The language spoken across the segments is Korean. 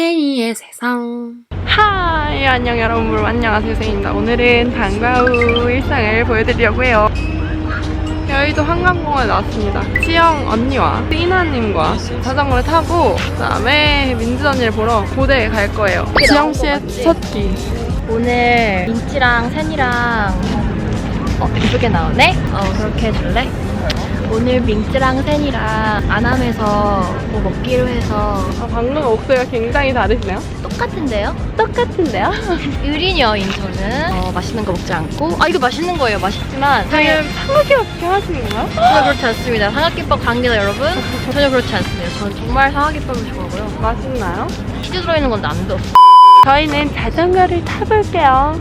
세이의 세상. 하이, 안녕 여러분. 안녕하세요, 세이입니다. 오늘은 방과 후 일상을 보여드리려고 해요. 여의도 한강공원에 나왔습니다. 치영 언니와 띠나님과 자전거를 타고 그다음에 민지 언니를 보러 고대에 갈 거예요. 지영 씨의 첫 끼. 오늘 민지랑 센이랑 이쁘게 나오네? 그렇게 해줄래? 오늘 민지랑 센이랑 안암에서 뭐 먹기로 해서 방금 목소리가 굉장히 다르시네요. 똑같은데요? 똑같은데요? 의리녀 인천은 맛있는 거 먹지 않고 이거 맛있는 거예요. 맛있지만 지금 삼각김밥 하시는 건가요? 전혀 그렇지 않습니다. 삼각김밥 관계자 여러분 전혀 그렇지 않습니다. 저는 정말 삼각김밥을 좋아하고요. 맛있나요? 치즈 들어있는 건 안 돼. 저희는 자전거를 타볼게요.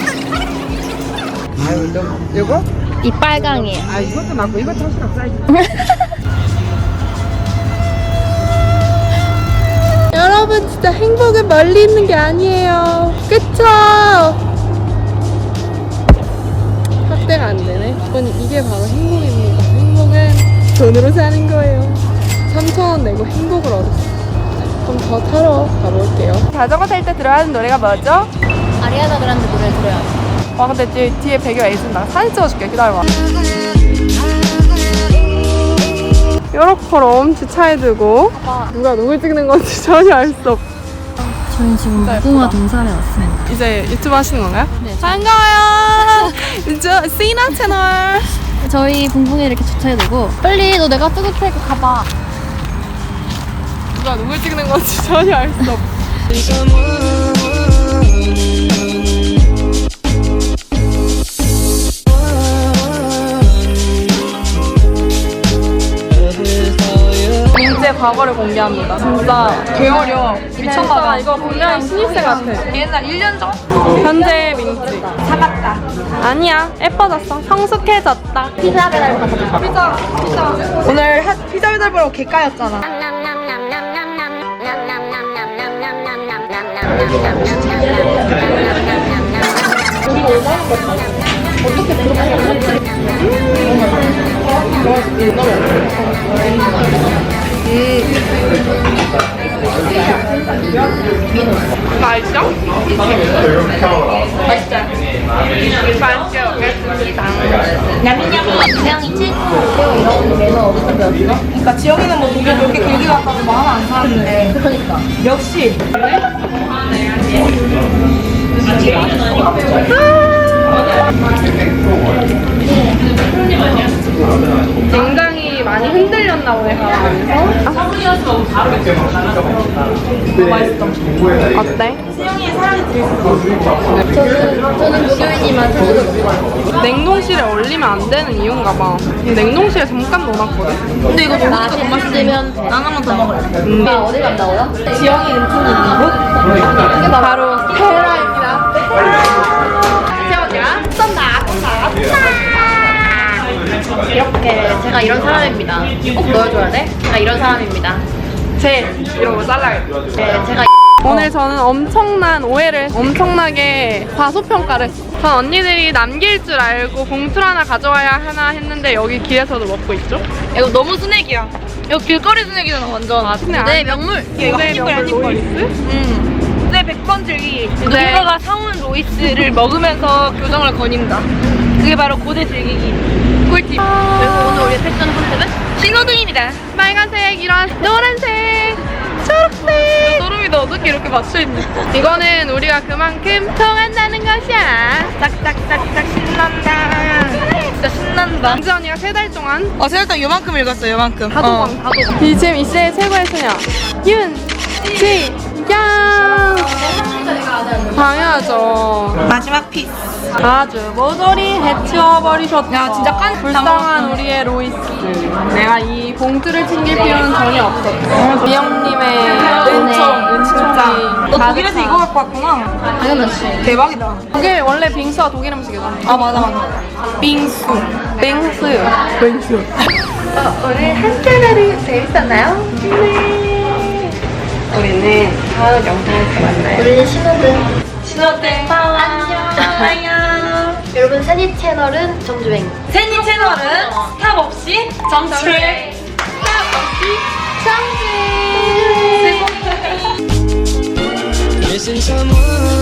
이거? 이 빨강이에요. 이것도 맞고 이것도 하시라 사이즈. 여러분, 진짜 행복은 멀리 있는 게 아니에요. 그쵸? 확대가 안 되네. 이게 바로 행복입니다. 행복은 돈으로 사는 거예요. 3,000원 내고 행복을 얻었어요. 그럼 더 타러 가볼게요. 자전거 탈 때 들어야 하는 노래가 뭐죠? 아리아나 그란데 노래 들어요. 와, 근데 뒤에 배경 있습니다. 사진 찍어줄게. 기다려봐. 요렇게럼 주차해 두고 누가 누굴 찍는 건지 전혀 알 수 없어. 저희 지금 무궁화 동산에 왔습니다. 이제 유튜브 하시는 건가요? 네. 반가워요. 저 시나 채널. 저희 붕붕에 이렇게 주차해두고 빨리 너 내가 찍을 테니까 가봐. 누가 누굴 찍는 건지 전혀 알 수 없어. 민지의 과거를 공개합니다. 진짜 개어려. 미쳤나봐. 이거 분명히 신입생 같아. 옛날 1년 전? 현재 민지. 사갔다. 아니야. 예뻐졌어. 성숙해졌다. 피자 배달 갔다. 피자. 오늘 피자 배달 보러 개까였잖아. 맛있어? 맛있죠? 맛있게 먹겠습니다. 태양이지? 태양 이런 매너 어디서 배웠어? 그러니까 지영이는 뭐 독일 그렇게 길게 갔다고 뭐 하나 안 사는데. 그러니까. 역시. 굉장히 많이 흔들렸나 보네, 가면서. 어때? 저는 무교인이만 저도 먹어요. 냉동실에 얼리면 안 되는 이유인가 봐. 냉동실에 잠깐 넣어놨거든. 근데 이거 너무 맛있으면 난 하나 더 먹을래. 오빠 어디 간다고요? 지영이 은총이 있는 바로 헤라입니다. 세원이야? 이렇게 제가 이런 사람입니다. 꼭 넣어줘야 돼? 제가 이런 사람입니다. 이런 거 잘라야겠다. 네, 제가 오늘 저는 엄청나게 과소평가를 했어. 전 언니들이 남길 줄 알고 봉투 하나 가져와야 하나 했는데 여기 길에서도 먹고 있죠? 이거 너무 스낵이야. 이거 길거리 스낵이잖아 완전. 스낵 네 아니야? 명물. 이거 네, 한입거리 명물 한입거리. 로이스? 내 100번 즐기기. 네. 누군가가 사온 로이스를 먹으면서 교정을 거닌다. 그게 바로 고대 즐기기. 꿀팁. 그래서 오늘 우리 패션 컨셉은 신호등입니다. 빨간색, 이런 노란색, 초록색. 소름이다. 어떻게 이렇게 맞춰있니? 이거는 우리가 그만큼 통한다는 것이야. 짝짝짝짝 신난다. 진짜 신난다. 민지 언니가 3달 동안 세일당 요만큼 읽었어요. 요만큼. 다도방. 지금 이 시대의 최고의 소녀 윤지영. 당연하죠. 마지막 피스. 아주 모조리 해치워버리셨다. 야, 진짜 불쌍한 우리의 로이스. 내가 이 봉투를 챙길 필요는 전혀 없었어. 미영님의 은총이 너 독일에서 이거 갖고 왔구나. 당연하지. 대박이다. 독일 원래 빙수가 독일 음식이잖아. 아 맞아. 빙수. 빙수. 오늘 한잔하루 재밌었나요? 네. 우리는 다음 영상에서 만나요. 우리 신호등. 신호등. 안녕. 여러분 세니 채널은 정주행. 세니 채널은 스탑 없이 정주행. 스탑 없이 정주행. missing someone.